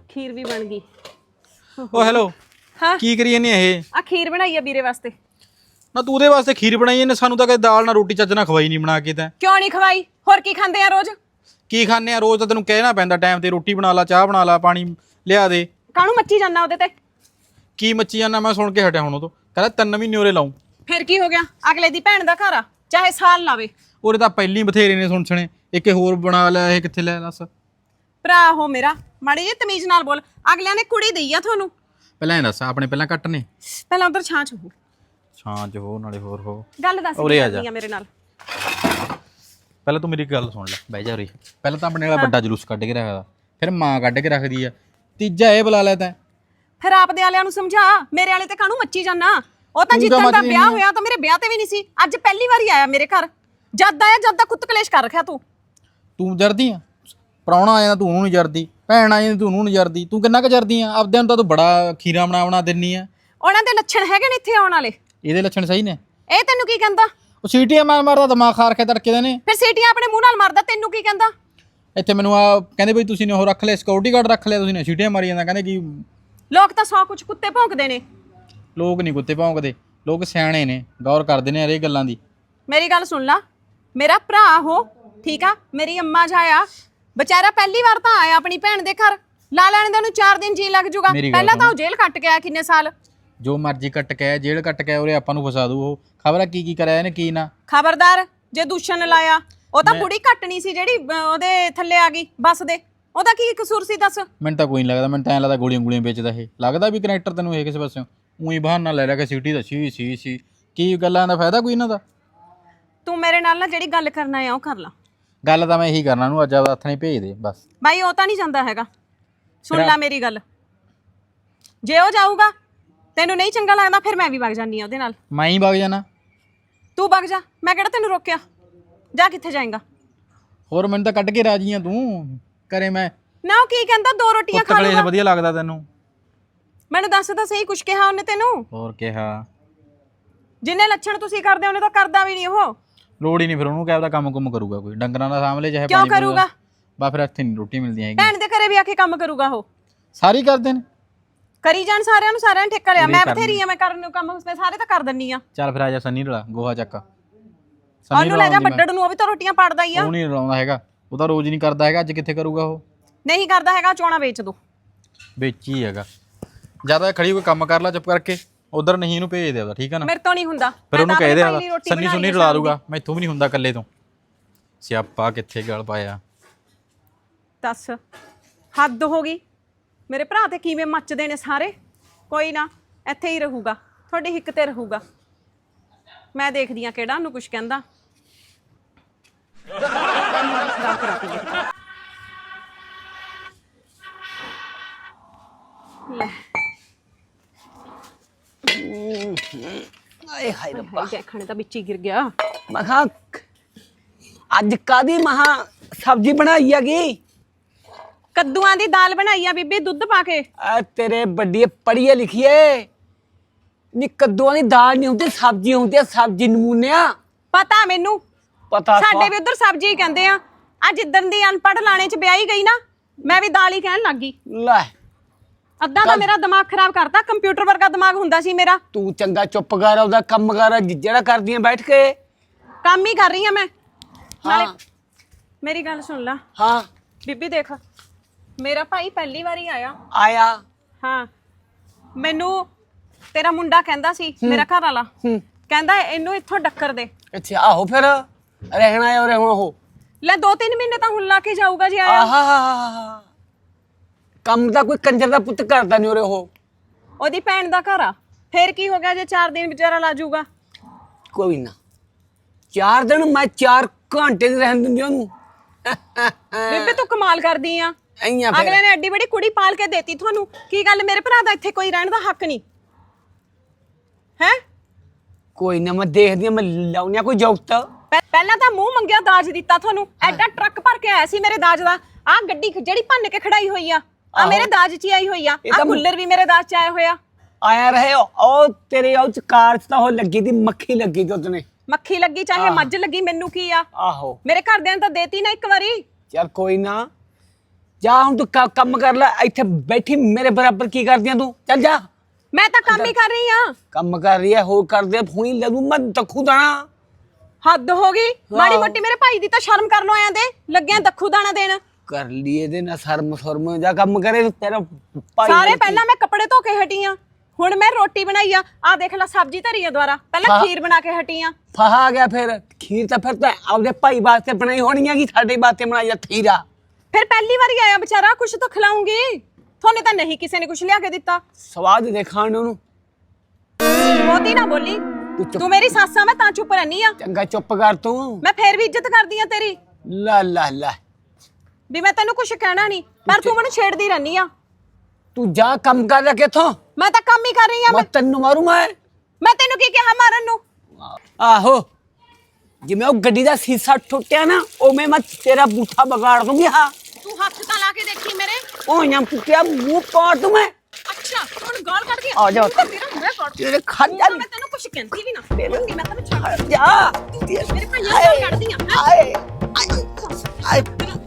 ਖੀਰ ਵੀ ਬਣ ਗਈ। ਓ ਹੈਲੋ ਹਾਂ ਕੀ ਕਰੀ ਜਾਂਦੀ ਇਹ? ਆ ਖੀਰ ਬਣਾਈ ਆ ਵੀਰੇ ਵਾਸਤੇ। ਨਾ ਤੂੰ ਉਹਦੇ ਵਾਸਤੇ ਖੀਰ ਬਣਾਈ ਇਹਨੇ, ਸਾਨੂੰ ਤਾਂ ਕਦੇ ਦਾਲ ਨਾਲ ਰੋਟੀ ਚੱਜ ਨਾਲ ਖਵਾਈ ਨਹੀਂ ਬਣਾ ਕੇ। ਤਾਂ ਕਿਉਂ ਨਹੀਂ ਖਵਾਈ? ਹੋਰ ਕੀ ਖਾਂਦੇ ਆ ਰੋਜ਼? ਕੀ ਖਾਂਦੇ ਆ ਰੋਜ਼? ਤਾਂ ਤੈਨੂੰ ਕਹਿਣਾ ਪੈਂਦਾ ਟਾਈਮ ਤੇ ਰੋਟੀ ਬਣਾ ਲਾ, ਚਾਹ ਬਣਾ ਲਾ, ਪਾਣੀ ਲਿਆ ਦੇ। ਕਾਹਨੂੰ ਮੱਚੀ ਜਾਂਦਾ ਉਹਦੇ ਤੇ? ਕੀ ਮੱਚੀ ਜਾਂਦਾ? ਮੈਂ ਸੁਣ ਕੇ ਹਟਿਆ ਹੁਣ ਉਹ ਤੋਂ, ਕਹਿੰਦਾ 3 ਮਹੀਨੇ ਉਰੇ ਲਾਉਂ। ਫਿਰ ਕੀ ਹੋ ਗਿਆ? ਅਗਲੇ ਦੀ ਭੈਣ ਦਾ ਘਰ ਆ, ਚਾਹੇ ਸਾਲ ਲਾਵੇ। ਉਹਦੇ ਤਾਂ ਪਹਿਲੀ ਬਥੇਰੇ ਨੇ ਸੁਣਛਣੇ, ਇੱਕ ਹੋਰ ਬਣਾ ਲਿਆ, ਇਹ ਕਿੱਥੇ ਲੈ ਦੱਸ। ਭਰਾ ਹੋ ਮੇਰਾ, ਮਾੜੀ ਜਿਹੀ ਤਮੀਜ਼ ਨਾਲ ਬੋਲ। ਅਗਲਿਆਂ ਨੇ ਕੁੜੀ ਦਈ ਆ ਤੁਹਾਨੂੰ। ਪਹਿਲਾਂ ਇਹ ਦੱਸ, ਆਪਣੇ ਪਹਿਲਾਂ ਕੱਟ ਨੇ? ਪਹਿਲਾਂ ਉਧਰ ਛਾਂ ਚ ਹੋ, ਛਾਂ ਚ ਹੋ ਨਾਲੇ ਹੋਰ ਹੋ। ਗੱਲ ਦੱਸ ਉਰੇ ਕੀ ਆ ਜਾ। ਕਰਨੀ ਆ ਮੇਰੇ ਨਾਲ? ਪਹਿਲਾਂ ਤੂੰ ਮੇਰੀ ਗੱਲ ਸੁਣ ਲੈ, ਬਹਿ ਜਾ ਉਰੇ। ਪਹਿਲਾਂ ਤਾਂ ਆਪਣੇ ਵਾਲਾ ਵੱਡਾ ਜਲੂਸ ਕੱਢ ਕੇ ਰੱਖਦਾ, ਫਿਰ ਮਾਂ ਕੱਢ ਕੇ ਰੱਖਦੀ ਆ, ਤੀਜਾ ਇਹ ਬੁਲਾ ਲੈ ਤੈਂ। ਫਿਰ ਆਪਦੇ ਵਾਲਿਆਂ ਨੂੰ ਸਮਝਾ, ਮੇਰੇ ਵਾਲੇ ਤੇ ਕਾਹਨੂੰ ਮੱਚੀ ਜਾਣਾ? ਉਹ ਤਾਂ ਜਿੱਦਾਂ ਦਾ ਵਿਆਹ ਹੋਇਆ ਤਾਂ ਮੇਰੇ ਵਿਆਹ ਤੇ ਵੀ ਨਹੀਂ ਸੀ, ਅੱਜ ਪਹਿਲੀ ਵਾਰੀ ਆਇਆ ਮੇਰੇ ਘਰ। ਜਦ ਆਇਆ ਜਦ ਦਾ ਕੁੱਤ ਕਲੇਸ਼ ਕਰ ਰੱਖਿਆ ਤੂੰ। ਤੂੰ ਜਰਦੀ ਆ? ਪ੍ਰਾਹੁਣਾ ਆ ਜਾਂਦਾ ਤੂੰ ਉਹਨੂੰ ਨਹੀਂ ਜਰਦੀ, ਭੈਣ ਆ ਜਾਂਦੀ ਤੂੰ ਉਹਨੂੰ ਨਹੀਂ ਜਰਦੀ। ਤੂੰ ਕਿੰਨਾ ਕੁ ਜਰਦੀ ਆ? ਆਪਦਿਆਂ ਨੂੰ ਤਾਂ ਤੂੰ ਬੜਾ ਖੀਰਾ ਬਣਾ ਦਿੰਨੀ ਆ। ਉਹਨਾਂ ਦੇ ਲੱਛਣ ਹੈਗੇ ਨੇ ਇੱਥੇ ਆਉਣ ਵਾਲੇ? ਇਹਦੇ ਲੱਛਣ ਸਹੀ ਨੇ? ਇਹ ਤੈਨੂੰ ਕੀ ਕਹਿੰਦਾ? ਉਹ ਸੀਟੀਆਂ ਮਾਰਦਾ ਦਿਮਾਗ ਖਾਰ ਕੇ ਤੜਕੇ ਦੇ ਨੇ। ਫਿਰ ਸੀਟੀਆਂ ਆਪਣੇ ਮੂੰਹ ਨਾਲ ਮਾਰਦਾ, ਤੈਨੂੰ ਕੀ ਕਹਿੰਦਾ? ਇੱਥੇ ਮੈਨੂੰ ਆ ਕਹਿੰਦੇ ਬਈ ਤੁਸੀਂ ਨੇ ਉਹ ਰੱਖ ਲਿਆ, ਸਿਕਿਉਰਿਟੀ ਗਾਰਡ ਰੱਖ ਲਿਆ, ਤੁਸੀਂ ਨੇ ਸੀਟੀਆਂ ਮਾਰੀ ਜਾਂਦਾ। ਕਹਿੰਦੇ ਕਿ ਲੋਕ ਤਾਂ 100 ਕੁਛ ਕੁੱਤੇ ਭੌਂਕਦੇ ਨੇ। ਲੋਕ ਨਹੀਂ ਕੁੱਤੇ ਭੌਂਕਦੇ, ਲੋਕ ਸਿਆਣੇ ਨੇ, ਗੌਰ ਕਰਦੇ ਨੇ ਇਹ ਗੱਲਾਂ ਦੀ। ਮੇਰੀ ਗੱਲ ਸੁਣ ਲਾ, ਮੇਰਾ ਭਰਾ ਹੋ ਠੀਕ ਆ, ਮੇਰੀ ਅੰਮਾ ਜਾਇਆ ਵਿਚਾਰਾ ਪਹਿਲੀ ਵਾਰ ਤਾਂ ਆਇਆ ਆਪਣੀ ਭੈਣ ਦੇ ਘਰ। ਲਾ ਲੈਣ ਦੇ ਉਹਨੂੰ 4 ਦਿਨ ਜੀ ਲੱਗ ਜੂਗਾ। ਪਹਿਲਾਂ ਤਾਂ ਉਹ ਜੇਲ੍ਹ ਕੱਟ ਕੇ ਆਇਆ ਕਿੰਨੇ ਸਾਲ। ਜੋ ਮਰਜ਼ੀ ਕੱਟ ਕੇ ਆਇਆ, ਜੇਲ੍ਹ ਕੱਟ ਕੇ ਆਇਆ, ਉਰੇ ਆਪਾਂ ਨੂੰ ਫਸਾ ਦੂ। ਉਹ ਖਬਰ ਆ ਕੀ ਕਰਾਇਆ ਇਹਨੇ, ਕੀ ਨਾ। ਖਬਰਦਾਰ ਜੇ ਦੂਸ਼ਣ ਲਾਇਆ। ਉਹ ਤਾਂ ਬੁੜੀ ਘੱਟ ਨਹੀਂ ਸੀ ਜਿਹੜੀ ਉਹਦੇ ਥੱਲੇ ਆ ਗਈ ਬੱਸ ਦੇ। ਉਹਦਾ ਕੀ ਕਸੂਰ ਸੀ ਦੱਸ? ਮੈਨੂੰ ਤਾਂ ਕੋਈ ਨਹੀਂ ਲੱਗਦਾ, ਮੈਨੂੰ ਤਾਂ ਐਂ ਲੱਗਦਾ ਗੋਲੀਆਂ ਵੇਚਦਾ ਇਹ। ਲੱਗਦਾ ਵੀ ਕਨੈਕਟਰ ਤੈਨੂੰ ਇਹ ਕਿਸੇ ਪਾਸਿਓਂ ਉਹੀ ਬਹਾਨਾ ਲੈ ਰਿਹਾ ਕਿ ਸਿਟੀ ਦਾ ਸੀ ਕੀ ਗੱਲਾਂ ਦਾ ਫਾਇਦਾ ਕੋਈ ਇਹਨਾਂ ਦਾ। ਤੂੰ ਮੇਰੇ ਨਾਲ ਨਾ ਜਿਹੜੀ ਗੱਲ ਕਰਨਾ ਆ ਉਹ ਕਰ ਲਾ। ਗੱਲ ਤਾਂ ਮੈਂ ਇਹੀ ਕਰਨਾ ਨੂੰ, ਅੱਜ ਆਪਦਾ ਹੱਥ ਨਹੀਂ ਭੇਜ ਦੇ ਬਸ। ਬਾਈ ਉਹ ਤਾਂ ਨਹੀਂ ਜਾਂਦਾ ਹੈਗਾ। ਸੁਣ ਲੈ ਮੇਰੀ ਗੱਲ, ਜੇ ਉਹ ਜਾਊਗਾ ਤੈਨੂੰ ਨਹੀਂ ਚੰਗਾ ਲੱਗਦਾ ਫਿਰ ਮੈਂ ਵੀ ਵਗ ਜਾਂਦੀ ਆ ਉਹਦੇ ਨਾਲ। ਮੈਂ ਹੀ ਵਗ ਜਾਣਾ? ਤੂੰ ਵਗ ਜਾ, ਮੈਂ ਕਿਹੜਾ ਤੈਨੂੰ ਰੋਕਿਆ। ਜਾ, ਕਿੱਥੇ ਜਾਏਗਾ? ਹੋਰ ਮੈਨੂੰ ਤਾਂ ਕੱਢ ਕੇ ਰਾਜੀ ਆ ਤੂੰ ਕਰੇ। ਮੈਂ ਨਾ ਉਹ ਕੀ ਕਹਿੰਦਾ, 2 ਰੋਟੀਆਂ ਖਾ ਲੂਗਾ। ਵਧੀਆ ਲੱਗਦਾ ਤੈਨੂੰ? ਮੈਨੂੰ ਦੱਸ ਤਾਂ ਸਹੀ, ਕੁਛ ਕਿਹਾ ਉਹਨੇ ਤੈਨੂੰ? ਹੋਰ ਕਿਹਾ? ਜਿੰਨੇ ਲੱਛਣ ਤੁਸੀਂ ਕਰਦੇ ਉਹਨੇ ਤਾਂ ਕਰਦਾ ਵੀ ਨਹੀਂ ਉਹ। ਲੋੜ ਹੀ ਨਹੀਂ ਫਿਰ ਉਹਨੂੰ, ਕਹਿ ਆਪਦਾ ਕੰਮ ਕਰੂਗਾ ਕੋਈ, ਡੰਗਰਾਂ ਦਾ ਸਾਹਮਣੇ ਚਾਹੇ ਕਿਉਂ ਕਰੂਗਾ? ਬਾ ਫਿਰ ਇੱਥੇ ਨਹੀਂ ਰੋਟੀ ਮਿਲਦੀ ਹੈਗੀ। ਭੈਣ ਦੇ ਘਰੇ ਵੀ ਆ ਕੇ ਕੰਮ ਕਰੂਗਾ ਉਹ। ਸਾਰੀ ਕਰਦੇ ਨੇ, ਕਰੀ ਜਾਣ, ਸਾਰਿਆਂ ਨੂੰ ਠੇਕਾ ਲਿਆ। ਮੈਂ ਬਥੇਰੀ ਆ, ਮੈਂ ਕਰਨ ਨੂੰ ਕੰਮ ਸਾਰੇ ਤਾਂ ਕਰ ਦਿੰਨੀ ਆ। ਚੱਲ ਫਿਰ ਆ ਜਾ ਸੰਨੀ ਰਲਾ, ਗੋਹਾ ਚੱਕ। ਉਹਨੂੰ ਲੈ ਜਾ ਵੱਡੜ ਨੂੰ, ਉਹ ਵੀ ਤਾਂ ਰੋਟੀਆਂ ਪਾੜਦਾ ਹੀ ਆ। ਉਹ ਨਹੀਂ ਰਲਾਉਂਦਾ ਹੈਗਾ, ਉਹ ਤਾਂ ਰੋਜ਼ ਨਹੀਂ ਕਰਦਾ ਹੈਗਾ, ਅੱਜ ਕਿੱਥੇ ਕਰੂਗਾ ਉਹ? ਨਹੀਂ ਕਰਦਾ ਹੈਗਾ, ਚੋਣਾ ਵੇਚ ਦੋ। ਵੇਚੀ ਹੈਗਾ। ਜਿਆਦਾ ਖੜੀ ਕੋਈ ਕੰਮ ਕਰ ਲੈ ਚੁੱਪ ਕਰਕੇ, ਉਧਰ ਨਹੀਂ ਇਹਨੂੰ ਭੇਜ ਦੇ ਉਹਦਾ, ਠੀਕ ਹੈ ਨਾ? ਮੇਰੇ ਤੋਂ ਨਹੀਂ ਹੁੰਦਾ। ਫਿਰ ਉਹਨੂੰ ਕਹਿ ਦੇ ਸੰਨੀ ਸੁੰਨੀ ਰਲਾ ਦੂਗਾ, ਮੈਥੋਂ ਵੀ ਨਹੀਂ ਹੁੰਦਾ ਇਕੱਲੇ ਤੋਂ। ਸਿਆਪਾ ਕਿੱਥੇ ਗਲ ਪਾਇਆ। ਦੱਸ, ਹੱਦ ਹੋ ਗਈ। ਮੇਰੇ ਭਰਾ ਤੇ ਕਿਵੇਂ ਮੱਚਦੇ ਨੇ ਸਾਰੇ। ਕੋਈ ਨਾ, ਇੱਥੇ ਹੀ ਰਹੂਗਾ, ਤੁਹਾਡੀ ਹਿੱਕ ਤੇ ਰਹੂਗਾ। ਮੈਂ ਦੇਖਦੀ ਆ ਕਿਹੜਾ ਉਹਨੂੰ ਕੁਛ ਕਹਿੰਦਾ। ਲੈ ਆਏ ਹਾਏ ਰੱਬਾ, ਦੇਖਣੇ ਤਾਂ ਵਿੱਚ ਹੀ ਗਿਰ ਗਿਆ। ਮਖਾ ਅੱਜ ਕਾਦੀ ਮਹਾ ਸਬਜ਼ੀ ਬਣਾਈ ਹੈਗੀ? ਕੱਦੂਆਂ ਦੀ ਦਾਲ ਬਣਾਈ ਆ ਬੀਬੀ, ਦੁੱਧ ਪਾ ਕੇ। ਆ ਤੇਰੇ ਵੱਡੀ ਪੜੀਏ ਲਿਖੀਏ ਨੀ, ਕੱਦੂਆਂ ਦੀ ਦਾਲ ਨਹੀਂ ਹੁੰਦੀ, ਸਬਜ਼ੀ ਹੁੰਦੀ ਹੈ। ਸਬਜ਼ੀ ਨਮੂਨਿਆ ਪਤਾ ਮੈਨੂੰ, ਪਤਾ। ਸਾਡੇ ਵੀ ਉਧਰ ਸਬਜ਼ੀ ਹੀ ਕਹਿੰਦੇ ਆ। ਆ ਜਿੱਦਣ ਦੀ ਅਨਪੜ੍ਹ ਲਾਣੇ ਚ ਵਿਆਹੀ ਗਈ ਨਾ, ਮੈਂ ਵੀ ਦਾਲ ਹੀ ਕਹਿਣ ਲੱਗ ਗਈ। ਲੈ ਅੱਧਾ ਤਾਂ ਮੇਰਾ ਦਿਮਾਗ ਖਰਾਬ ਕਰਤਾ। ਕੰਪਿਊਟਰ ਵਰਗਾ ਦਿਮਾਗ ਹੁੰਦਾ ਸੀ ਮੇਰਾ। ਤੂੰ ਚੰਗਾ ਚੁੱਪ ਕਰ, ਉਹਦਾ ਕੰਮ ਕਰ ਜਿਹੜਾ ਕਰਦੀ ਆ ਬੈਠ ਕੇ। ਕੰਮ ਹੀ ਕਰ ਰਹੀ ਆ ਮੈਂ। ਨਾਲੇ ਮੇਰੀ ਗੱਲ ਸੁਣ ਲਾ। ਹਾਂ ਬੀਬੀ ਦੇਖ, ਮੇਰਾ ਭਾਈ ਪਹਿਲੀ ਵਾਰੀ ਆਇਆ। ਹਾਂ, ਮੈਨੂੰ ਤੇਰਾ ਮੁੰਡਾ ਕਹਿੰਦਾ ਸੀ, ਮੇਰਾ ਘਰ ਵਾਲਾ ਕਹਿੰਦਾ ਇਹਨੂੰ ਇੱਥੋਂ ਡੱਕਰ ਦੇ। ਅੱਛਾ, ਆਹੋ ਫਿਰ ਰਹਿਣਾ ਹੈ। ਹੁਣ ਉਹ ਲੈ 2-3 ਮਹੀਨੇ ਤਾਂ ਹੁਣ ਲਾ ਕੇ ਜਾਊਗਾ ਜੇ ਆਇਆ। ਆਹਾ, ਕੰਮ ਤਾਂ ਕੋਈ ਕੰਜਰ ਦਾ ਪੁੱਤ ਕਰਦਾ ਨਹੀਂ ਉਰੇ। ਉਹ ਉਹਦੀ ਭੈਣ ਦਾ ਘਰ ਆ, ਫੇਰ ਕੀ ਹੋ ਗਿਆ ਜੇ 4 ਦਿਨ ਵਿਚਾਰਾ ਲਾ ਜਾਊਗਾ। ਕੋਈ ਨਾ, 4 ਦਿਨ ਮੈਂ 4 ਘੰਟੇ ਦੀ ਰਹਿਣ ਦਿੰਦੀ ਉਹਨੂੰ। ਬੀਬੀ ਤੂੰ ਕਮਾਲ ਕਰਦੀ ਆ। ਐਂ ਅਗਲੇ ਨੇ ਐਡੀ ਬੜੀ ਕੁੜੀ ਪਾਲ ਕੇ ਦੇਤੀ ਤੁਹਾਨੂੰ। ਕੀ ਗੱਲ, ਮੇਰੇ ਭਰਾ ਦਾ ਇੱਥੇ ਕੋਈ ਰਹਿਣ ਦਾ ਹੱਕ ਨਹੀਂ ਹੈ? ਕੋਈ ਨਾ, ਮੈਂ ਦੇਖਦੀ ਆ, ਮੈਂ ਲਾਉਣਿਆ ਕੋਈ ਜੌਕਤ। ਪਹਿਲਾਂ ਤਾਂ ਮੂੰਹ ਮੰਗਿਆ ਦਾਜ ਦਿੱਤਾ ਤੁਹਾਨੂੰ। ਐਡਾ ਟਰੱਕ ਭਰ ਕੇ ਆਇਆ ਸੀ ਮੇਰੇ ਦਾਜ ਦਾ। ਆਹ ਗੱਡੀ ਜਿਹੜੀ ਭੰਨ ਕੇ ਖੜਾਈ ਹੋਈ ਆ, ਆ ਮੇਰੇ ਦਾਜ 'ਚ ਆਈ ਹੋਈ ਆ। ਆਹ ਕੂਲਰ ਵੀ ਮੇਰੇ ਦਾਜ 'ਚ ਆਇਆ ਹੋਇਆ। ਆਇਆ ਰਹੇ ਉਹ ਤੇਰੇ ਉਹ ਚ ਕਾਰ 'ਚ ਤਾਂ ਉਹ ਲੱਗੀ ਦੀ ਮੱਖੀ ਲੱਗੀ ਤੇ ਉਹਨੇ। ਮੱਖੀ ਲੱਗੀ ਚਾਹੇ ਮੱਝ ਲੱਗੀ, ਮੈਨੂੰ ਕੀ ਆ? ਆਹੋ, ਮੇਰੇ ਘਰਦਿਆਂ ਨੇ ਤਾਂ ਦੇਤੀ ਨਾ ਇੱਕ ਵਾਰੀ। ਚੱਲ ਕੋਈ ਨਾ, ਜਾ ਹੁਣ ਤੂੰ ਕੰਮ ਕਰ ਲੈ ਇੱਥੇ ਬੈਠੀ ਮੇਰੇ ਬਰਾਬਰ ਕੀ ਕਰਦੀਆਂ ਤੂੰ ਚੱਲ ਜਾ ਮੈਂ ਤਾਂ ਕੰਮ ਹੀ ਕਰ ਰਹੀ ਆ। ਕੰਮ ਕਰ ਰਹੀ ਹੈ ਹੋਰ ਕਰਦੇ ਫੂਈ ਲੱਗੂ ਮੈਂ ਦੱਖੂ ਦਾਣਾ ਹੱਦ ਹੋ ਗਈ ਮਾੜੀ ਮੋਟੀ ਮੇਰੇ ਭਾਈ ਦੀ ਤਾਂ ਸ਼ਰਮ ਕਰ ਲੋ ਆਇਆ ਦੇ ਲੱਗਿਆ ਦੱਖੂ ਦਾਣਾ ਦੇਣ। ਕਰ ਲਈ ਇਹਦੇ ਨਾਲ ਸ਼ਰਮ ਜਾ ਕੰਮ ਕਰੇ ਤੇਰਾ ਭਾਈ ਸਾਰੇ ਪਹਿਲਾਂ ਮੈਂ ਕੱਪੜੇ ਧੋ ਕੇ ਹਟੀ ਆ ਹੁਣ ਮੈਂ ਰੋਟੀ ਬਣਾਈ ਆ ਦੇਖ ਲੈ ਸਬਜ਼ੀ ਧਰੀ ਆ ਦੁਆਰਾ ਪਹਿਲਾਂ ਖੀਰ ਬਣਾ ਕੇ ਹਟੀ ਆ। ਫਹਾ ਆ ਗਿਆ ਫਿਰ ਖੀਰ ਤਾਂ ਫਿਰ ਤਾਂ ਆਪਦੇ ਭਾਈ ਵਾਸਤੇ ਬਣਾਈ ਹੋਣੀ ਹੈ ਕਿ ਸਾਡੇ ਵਾਸਤੇ ਬਣਾਈ ਆ ਖੀਰਾ। ਫਿਰ ਪਹਿਲੀ ਵਾਰੀ ਆਇਆ ਵਿਚਾਰਾ ਕੁਛ ਤਾਂ ਖਿਲਾਉਂਗੀ ਤੁਹਾਨੂੰ ਤਾਂ ਨਹੀਂ ਕਿਸੇ ਨੇ ਕੁਛ ਲਿਆ ਕੇ ਦਿੱਤਾ। ਸਵਾਦ ਦੇ ਖਾਣ ਨੂੰ ਬਹੁਤੀ ਨਾ ਬੋਲੀ ਤੂੰ ਮੇਰੀ ਸੱਸ ਆ ਮੈਂ ਤਾਂ ਚੁੱਪ ਰਹਿਨੀ ਆ। ਚੰਗਾ ਚੁੱਪ ਕਰ ਤੂੰ ਮੈਂ ਫੇਰ ਵੀ ਇੱਜ਼ਤ ਕਰਦੀ ਆ ਤੇਰੀ ਲਾ ਵੀ ਮੈਂ ਤੈਨੂੰ ਕੁਛ ਕਹਿਣਾ ਨਹੀਂ ਪਰ ਤੂੰ ਮੈਨੂੰ ਛੇੜਦੀ ਰਹਿਨੀ ਆ। ਤੂੰ ਜਾ ਕੰਮ ਕਰ ਲੈ ਕਿਥੋਂ ਮੈਂ ਤਾਂ ਕੰਮ ਹੀ ਕਰ ਰਹੀ ਆ। ਮੈਂ ਤੈਨੂੰ ਮਾਰੂ ਮੈਂ ਤੈਨੂੰ ਕੀ ਕਿਹਾ ਮਾਰਨ ਨੂੰ। ਆਹੋ ਜਿਵੇਂ ਉਹ ਗੱਡੀ ਦਾ ਸੀਸਾ ਟੁੱਟਿਆ ਨਾ ਉਵੇਂ ਮੈਂ ਤੇਰਾ ਬੂਠਾ ਵਿਗਾੜ ਦੂੰਗੀ। ਹਾਂ ਤੂੰ ਹੱਥ ਤਾਂ ਲਾ ਕੇ ਦੇਖੀ ਮੇਰੇ ਉਹ ਜਾਂ ਪੁੱਟਿਆ ਮੂੰਹ ਪਾੜ ਦੂੰ ਮੈਂ। ਅੱਛਾ ਹੁਣ ਗਾਲ ਕੱਢ ਕੇ ਆ ਜਾ ਤੇਰਾ ਮੈਂ ਕੱਢ ਤੇਰੇ ਖੱਜਾ ਮੈਂ ਤੈਨੂੰ ਕੁਛ ਕਹਿੰਦੀ ਵੀ ਨਾ ਮੰਮੀ ਮੈਂ ਤੈਨੂੰ ਛੱਡ ਜਾ ਮੇਰੇ ਭਾਈਆਂ ਨੂੰ ਕੱਢਦੀ ਆ ਆਏ ਆਏ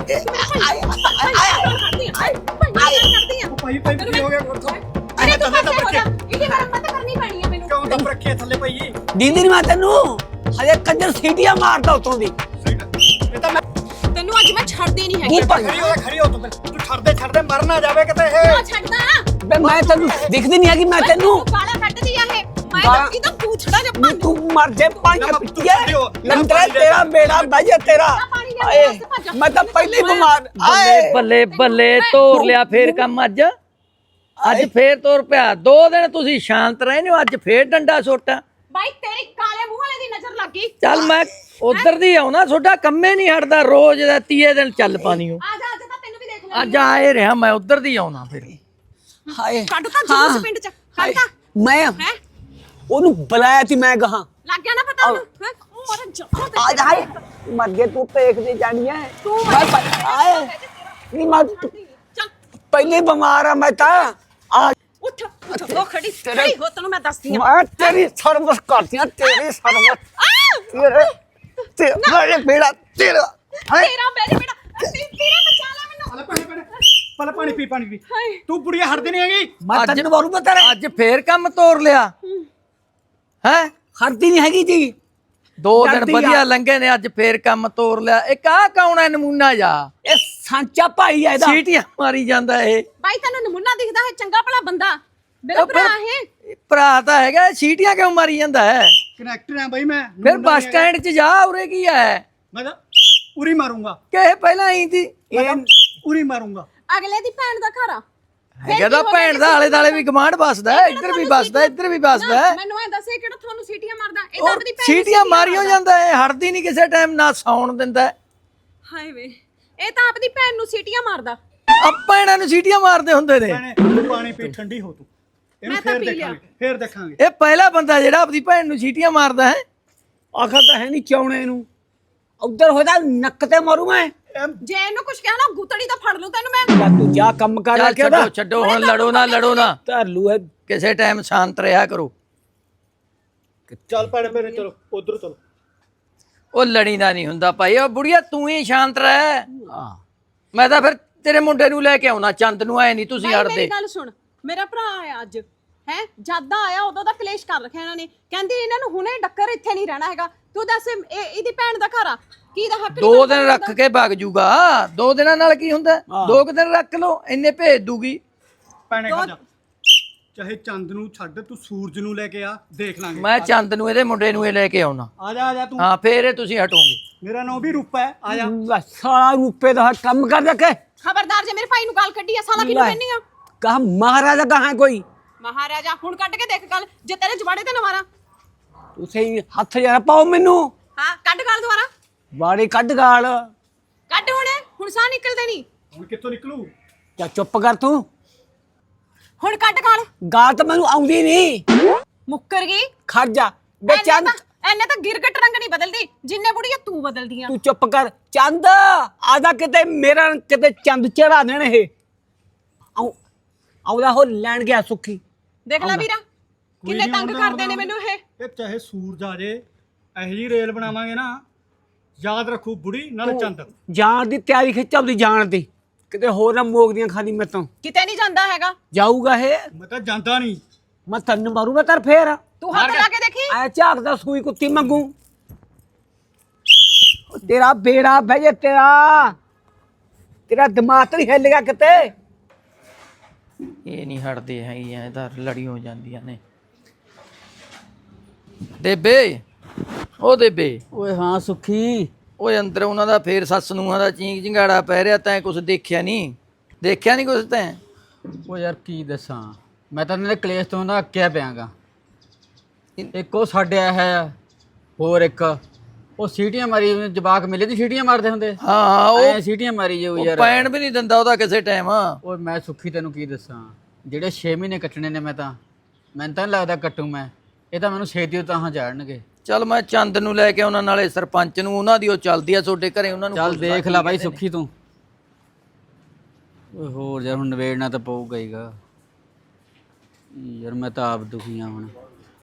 ਭਾਈ ਕੀ ਹੋ ਗਿਆ ਕੋਠਾ ਅਰੇ ਤੂੰ ਪਾਸੇ ਹੋ ਜਾ ਇਹਦੀ ਮਰਮਤ ਕਰਨੀ ਪੈਣੀ ਆ ਮੈਨੂੰ। ਕਿਉਂ ਦੱਬ ਰੱਖਿਆ ਥੱਲੇ ਭਾਈ ਦੀਦੀ ਨਹੀਂ ਮੈਂ ਤੈਨੂੰ ਹਜੇ ਕੰਜਰ ਸੀਟੀਆਂ ਮਾਰਦਾ ਉਤੋਂ ਦੀ। ਇਹ ਤਾਂ ਮੈਂ ਤੈਨੂੰ ਅੱਜ ਮੈਂ ਛੱਡਦੀ ਨਹੀਂ ਹੈਗੀ। ਖੜੀ ਹੋ ਤੂੰ ਛੱਡਦੇ ਮਰ ਨਾ ਜਾਵੇ ਕਿਤੇ ਇਹ। ਆ ਛੱਡਦਾ ਬੇ ਮੈਂ ਤੈਨੂੰ ਦਿਖਦੀ ਨਹੀਂ ਹੈਗੀ ਮੈਂ ਤੈਨੂੰ ਗਾਲਾਂ ਕੱਢਦੀ ਆ ਇਹ ਮੈਂ ਤਾਂ ਕਿਦੋਂ ਪੂਛੜਾ ਜੱਪਾਂ ਤੂੰ ਮਰ ਜੇ ਪੰਜ ਪਿੱਟੀਏ ਲੰਤਰਾ ਤੇਰਾ ਬੇੜਾ ਬਾਜੇ ਤੇਰਾ ਆਏ ਮੈਂ ਤਾਂ ਪਹਿਲੇ ਬਿਮਾਰ ਆਏ ਬੱਲੇ ਬੱਲੇ ਤੋਰ ਲਿਆ ਫੇਰ ਕੰਮ ਅੱਜ ਫੇਰ ਤੋਰ ਪਿਆ 2 ਦਿਨ ਤੁਸੀਂ ਸ਼ਾਂਤ ਰਹੇ ਨੇ ਅੱਜ ਫੇਰ ਡੰਡਾ ਸੋਟਾ ਬਾਈ ਤੇਰੀ ਕਾਲੇ ਮੂੰਹ ਵਾਲੇ ਦੀ ਨਜ਼ਰ ਲੱਗ ਗਈ। ਚੱਲ ਮੈਂ ਉਧਰ ਦੀ ਆਉਣਾ ਤੁਹਾਡਾ ਕੰਮੇ ਨਹੀਂ ਹਟਦਾ ਰੋਜ਼ ਦਾ 30 ਦਿਨ ਚੱਲ ਪਾਣੀਓ ਆ ਜਾ ਤਾਂ ਤੈਨੂੰ ਵੀ ਦੇਖ ਲੈ ਅੱਜ ਆਏ ਰਿਹਾ ਮੈਂ ਉਧਰ ਦੀ ਆਉਣਾ ਫਿਰ ਹਾਏ ਕੱਢ ਤਾਂ ਜੂਸ ਪਿੰਡ ਚ ਕੱਢ ਤਾਂ ਮੈਂ ਹੈ ਉਹਨੂੰ ਬੁਲਾਇਆ ਸੀ ਮੈਂ ਕਹਾ ਲੱਗ ਗਿਆ ਨਾ ਪਤਾ ਉਹਨੂੰ ਹੈਂ? ਉਹ ਮਾਰਾ ਜੱਫਾ ਤੇ ਆ ਜਾ ਮਰ ਗਏ ਤੂੰ ਦੇਖਦੇ ਜਾਣੀ ਹੈ ਤੂੰ ਆਏ ਨਹੀਂ ਮੈਂ ਚੱਲ ਪਹਿਲੇ ਬਿਮਾਰ ਆ ਮੈਂ ਤਾਂ ਆ ਉੱਠ ਉਹ ਖੜੀ ਹੋ ਤੈਨੂੰ ਮੈਂ ਦੱਸਦੀ ਆ। ਮੈਂ ਤੇਰੀ ਸਰਵਿਸ ਕਰਦੀਆਂ ਤੇਰੀ ਸਰਵਿਸ ਤੇਰੇ ਬੇੜਾ ਤੇਰਾ ਤੇਰਾ ਮੇਰੇ ਬੇੜਾ ਤੇਰਾ ਬਚਾ ਲੈ ਮੈਨੂੰ। ਪਹਿਲਾਂ ਪਾਣੀ ਪੀ ਹਾਏ। ਤੂੰ ਬੁੜੀਆ ਹਟਦੀ ਨਹੀਂ ਹੈਗੀ। ਮੈਂ ਤੈਨੂੰ ਮਾਰੂ ਮੈਂ ਤੇਰੇ ਅੱਜ ਫੇਰ ਕੰਮ ਤੋਰ ਲਿਆ ਹੈ ਹਰਦੀ ਨਹੀਂ ਹੈਗੀ ਜੀ 2 ਦਿਨ ਵਧੀਆ ਲੰਘੇ ਨੇ ਅੱਜ ਫੇਰ ਕੰਮ ਤੋਰ ਲਿਆ ਇੱਕ ਆ ਕੌਣ ਹੈ ਨਮੂਨਾ ਜਾ ਇਹ ਸਾਂਚਾ ਭਾਈ ਹੈ ਇਹਦਾ ਸੀਟੀਆਂ ਮਾਰੀ ਜਾਂਦਾ ਇਹ ਬਾਈ ਤੈਨੂੰ ਨਮੂਨਾ ਦਿਖਦਾ ਹੈ ਚੰਗਾ ਭਲਾ ਬੰਦਾ ਮੇਰਾ ਭਰਾ ਹੈ। ਭਰਾ ਤਾਂ ਹੈਗਾ ਸੀਟੀਆਂ ਕਿਉਂ ਮਾਰੀ ਜਾਂਦਾ ਹੈ ਕਨੈਕਟਰ ਆ ਬਾਈ ਮੈਂ ਫਿਰ ਬੱਸ ਸਟੈਂਡ 'ਚ ਜਾ ਉਰੇ ਕੀ ਹੈ ਮੈਂ ਤਾਂ ਉਰੀ ਮਾਰੂੰਗਾ ਕਿ ਪਹਿਲਾਂ ਆਈ ਸੀ ਮੈਂ ਤਾਂ ਉਰੀ ਮਾਰੂੰਗਾ। ਅਗਲੇ ਦੀ ਭੈਣ ਦਾ ਘਰ ਆ ਹੈਗਾ ਤਾਂ ਭੈਣ ਦਾ ਆਲੇ ਦਾਲੇ ਵੀ ਗਮਾਂਡ ਵੱਸਦਾ ਹੈ ਇੱਧਰ ਵੀ ਵੱਸਦਾ ਇੱਧਰ ਵੀ ਵੱਸਦਾ ਹੈ ਮੈਨੂੰ ਐ ਦੱਸੇ ਕਿਹੜਾ ਤੁਹਾਨੂੰ ਸੀਟੀਆਂ ਮਾਰਦਾ ਇਹ ਤਾਂ ਆਪਣੀ ਭੈਣ ਸੀਟੀਆਂ ਮਾਰੀਓ ਜਾਂਦਾ ਹੈ ਹਟਦੀ ਨਹੀਂ ਕਿਸੇ ਟਾਈਮ ਨਾ ਸੌਣ ਦਿੰਦਾ ਹਾਏ ਵੇ ਇਹ ਤਾਂ ਆਪਣੀ ਭੈਣ ਨੂੰ ਸੀਟੀਆਂ ਮਾਰਦਾ। ਆਪਾਂ ਇਹਨਾਂ ਨੂੰ ਸੀਟੀਆਂ ਮਾਰਦੇ ਹੁੰਦੇ ਨੇ ਤੂੰ ਪਾਣੀ ਪੀ ਠੰਡੀ ਹੋ ਤੂੰ ਇਹਨੂੰ ਮੈਂ ਤਾਂ ਫੇਰ ਪੀ ਲਿਆ। ਦੇਖਾਂਗੇ ਫੇਰ ਦੇਖਾਂਗੇ। ਇਹ ਪਹਿਲਾ ਬੰਦਾ ਜਿਹੜਾ ਆਪਣੀ ਭੈਣ ਨੂੰ ਸੀਟੀਆਂ ਮਾਰਦਾ ਹੈ ਆਖਰ ਤਾਂ ਹੈ ਨਹੀਂ ਚੌਣੇ ਨੂੰ ਉਧਰ ਹੋਦਾ ਨੱਕ ਤੇ ਮਾਰੂ ਮੈਂ ਜੇ ਇਹਨੂੰ ਕੁਝ ਕਿਹਾ ਨਾ ਗੁੱਤੜੀ ਤਾਂ ਫੜ ਲੂ ਤੈਨੂੰ ਮੈਂ। ਲੈ ਤੂੰ ਜਾ ਕੰਮ ਕਰ ਚੱਲ ਕੇ ਉਹਦਾ ਛੱਡੋ ਹੁਣ ਲੜੋ ਨਾ ਧਰ ਲੂ ਹੈ ਕਿਸੇ ਟਾਈਮ ਸ਼ਾਂਤ ਰਿਹਾ ਕਰੋ ਚੱਲ ਭੈਣੇ ਮੇਰੇ ਚਲੋ ਉਧਰ ਚਲੋ। ਉਹ ਲੜੀ ਦਾ ਨਹੀਂ ਹੁੰਦਾ ਭਾਈ ਉਹ ਬੁੜੀਆ ਤੂੰ ਹੀ ਸ਼ਾਂਤ ਰਹਿ ਹਾਂ ਮੈਂ ਤਾਂ ਫਿਰ ਤੇਰੇ ਮੁੰਡੇ ਨੂੰ ਲੈ ਕੇ ਆਉਣਾ ਚੰਦ ਨੂੰ ਐ ਨਹੀਂ ਤੁਸੀਂ ਬਾਈ ਹਟਦੇ ਮੇਰੀ ਗੱਲ ਸੁਣ ਮੇਰਾ ਭਰਾ ਆਇਆ ਅੱਜ ਹੈ ਜਦ ਆਇਆ ਉਦੋਂ ਦਾ ਕਲੇਸ਼ ਕਰ ਰੱਖਿਆ ਇਹਨਾਂ ਨੇ ਕਹਿੰਦੀ ਇਹਨਾਂ ਨੂੰ ਹੁਣੇ ਡੱਕਰ ਇੱਥੇ ਨਹੀਂ ਰਹਿਣਾ ਹੈਗਾ ਤੂੰ ਦੱਸ ਇਹਦੀ ਭੈਣ ਦਾ ਘਰ ਆ ਕੀ ਦਾ ਹੱਕ 2 ਦਿਨ ਰੱਖ ਕੇ ਭੱਗ ਜੂਗਾ 2 ਦਿਨਾਂ ਨਾਲ ਕੀ ਹੁੰਦਾ 2 ਦਿਨ ਰੱਖ ਲਓ ਇੰਨੇ ਭੇਜ ਦੂਗੀ ਭੈਣੇ ਖਾ ਜਾ ਚਾਹੇ ਚੰਦ ਨੂੰ ਛੱਡ ਤੂੰ ਸੂਰਜ ਨੂੰ ਲੈ ਕੇ ਆ ਦੇਖ ਲਾਂਗੇ। ਮੈਂ ਚੰਦ ਨੂੰ ਇਹਦੇ ਮੁੰਡੇ ਨੂੰ ਇਹ ਲੈ ਕੇ ਆਉਣਾ ਆ ਜਾ ਤੂੰ ਹਾਂ ਫੇਰ ਇਹ ਤੁਸੀਂ ਹਟੋਗੇ ਮੇਰਾ ਨਾਮ ਵੀ ਰੂਪਾ ਹੈ ਆ ਜਾ। ਲੈ ਸਾਲਾ ਰੁਪਏ ਦਾ ਕੰਮ ਕਰ ਰੱਖੇ ਖਬਰਦਾਰ ਜੇ ਮੇਰੇ ਭਾਈ ਨੂੰ ਗੱਲ ਕੱਢੀ ਆ ਸਾਲਾ ਕਿਹਨੂੰ ਕਹਿੰਨੀ ਆ ਕਹਾ ਮਹਾਰਾਜਾ ਕਹਾਂ ਕੋਈ ਮਹਾਰਾਜਾ ਹੁਣ ਕੱਢ ਕੇ ਦੇਖ ਗੱਲ ਜੇ ਤੇਰੇ ਜਵਾੜੇ ਤੇ ਨਾ ਮਾਰਾਂ ਤੁਸੀਂ ਹੱਥ ਜਰਾ ਪਾਓ ਮੈਨੂੰ ਹਾਂ ਕੱਢ ਗੱਲ ਦੁਬਾਰਾ ਬਾੜੀ ਕੱਢ ਗਾਲ ਕੱਢ ਹੁਣ ਸਾਹ ਨਿਕਲਦੇ ਨਹੀਂ ਹੁਣ ਕਿੱਥੋਂ ਨਿਕਲੂ। ਜਾਂ ਚੁੱਪ ਕਰ ਤੂੰ ਹੁਣ ਕੱਢ ਗਾਲ ਗਾਲ ਤਾਂ ਮੈਨੂੰ ਆਉਂਦੀ ਨਹੀਂ ਮੁੱਕਰ ਗਈ ਖੜ ਜਾ ਬੇ ਚੰਦ ਐਨੇ ਤਾਂ ਗਿਰਗਟ ਰੰਗ ਨਹੀਂ ਬਦਲਦੀ ਜਿੰਨੇ ਬੁੜੀਆਂ ਤੂੰ ਬਦਲਦੀ ਆ ਤੂੰ ਚੁੱਪ ਕਰ ਚੰਦ ਆਦਾ ਕਿਤੇ ਮੇਰਾ ਕਿਤੇ ਚੰਦ ਚੜਾ ਦੇਣ ਇਹ ਆਉਦਾ ਹੋ ਲੈਣ ਗਿਆ ਸੁੱਖੀ ਦੇਖ ਲੈ ਵੀਰਾ ਕਿੰਨੇ ਨੀ ਤੰਗ ਆਉਂਦਾ ਕਰਦੇ ਨੇ ਮੈਨੂੰ ਇਹ ਚਾਹੇ ਸੂਰਜ ਆ ਜੇ ਇਹੋ ਜੀ ਰੇਲ ਬਣਾਵਾਂਗੇ ਨਾ ਯਾਦ ਰੱਖੂ ਬੁੜੀ ਨਾਲ ਚੰਦ। ਜਾਣ ਦੀ ਤਿਆਰੀ ਖਿੱਚ ਆਪਦੀ ਜਾਣ ਦੀ ਕਿਤੇ ਹੋਰ ਨਾ ਮੋਗਦੀਆਂ ਖਾਣੀ ਮੈਂ ਤਾਂ ਕਿਤੇ ਨਹੀਂ ਜਾਂਦਾ ਹੈਗਾ। ਜਾਊਗਾ ਇਹ ਮੈਂ ਤਾਂ ਜਾਂਦਾ ਨਹੀਂ। ਮੈਂ ਤੈਨੂੰ ਮਾਰੂਗਾ ਤਰ ਫੇਰ ਤੂੰ ਹੱਥ ਲਾ ਕੇ ਦੇਖੀ। ਐ ਝਾਕਦਾ ਸੂਈ ਕੁੱਤੀ ਮੰਗੂ ਤੇਰਾ ਬੇੜਾ ਬਹਿ ਜੇ ਤੇਰਾ ਦਿਮਾਗ ਤਾਂ ਨਹੀਂ ਹਿੱਲ ਗਿਆ ਕਿਤੇ। ਇਹ ਨਹੀਂ ਹਟਦੇ ਹੈਗੇ ਐ ਤਾਂ ਲੜੀ ਹੋ ਜਾਂਦੀਆਂ ਨੇ। ਦੇਬੇ ਉਹ ਦੇਬੇ ਓਏ ਹਾਂ ਸੁਖੀ ਓਏ ਅੰਦਰ ਉਹਨਾਂ ਦਾ ਫੇਰ ਸੱਸ ਨੂੰਹਾਂ ਦਾ ਚੀਂਕ ਚਿੰਗਾੜਾ ਪੈ ਰਿਹਾ। ਤੈਂ ਕੁਛ ਦੇਖਿਆ ਨਹੀਂ ਕੁਛ ਤੈਂ? ਉਹ ਯਾਰ ਕੀ ਦੱਸਾਂ, ਮੈਂ ਤਾਂ ਇਹਨਾਂ ਦੇ ਕਲੇਸ਼ ਤੋਂ ਨਾ ਅੱਕਿਆ ਪਿਆਗਾ। ਇੱਕ ਉਹ ਸਾਡੇ ਆਇਆ ਹੈ, ਹੋਰ ਇੱਕ ਉਹ ਸੀਟੀਆਂ ਮਾਰੀ ਜਵਾਕ ਮਿਲੇ ਦੀ ਸੀਟੀਆਂ ਮਾਰਦੇ ਹੁੰਦੇ। ਹਾਂ ਐ ਉਹ ਸੀਟੀਆਂ ਮਾਰੀ ਜਾਊ ਯਾਰ। ਪੈਣ ਵੀ ਨਹੀਂ ਦਿੰਦਾ ਉਹਦਾ ਕਿਸੇ ਟਾਈਮ। ਓਏ ਮੈਂ ਸੁੱਖੀ ਤੈਨੂੰ ਕੀ ਦੱਸਾਂ, ਜਿਹੜੇ 6 ਮਹੀਨੇ ਕੱਟਣੇ ਨੇ ਮੈਨੂੰ ਤਾਂ ਨਹੀਂ ਲੱਗਦਾ ਕੱਟੂ ਮੈਂ। ਇਹ ਤਾਂ ਮੈਨੂੰ ਛੇਤੀ ਤਾਂ ਜਾਣਗੇ। ਚੱਲ ਮੈਂ ਚੰਦ ਨੂੰ ਲੈ ਕੇ ਉਹਨਾਂ ਨਾਲੇ ਸਰਪੰਚ ਨੂੰ, ਉਹਨਾਂ ਦੀ ਉਹ ਚੱਲਦੀ ਆ ਤੁਹਾਡੇ ਘਰੇ, ਉਹਨਾਂ ਨੂੰ ਚੱਲ ਪੁੱਛ ਦੇਖ ਲਾ ਲੈ ਕੀ ਬਾਈ ਕਹਿੰਦੇ ਨੇ। ਸੁੱਖੀ ਤੂੰ। ਓਏ ਹੋਰ ਯਾਰ ਹੁਣ ਨਵੇੜਨਾ ਤਾਂ ਪਊਗਾ ਹੀਗਾ। ਯਾਰ ਮੈਂ ਤਾਂ ਆਪ ਦੁਖੀ ਆ ਹੁਣ।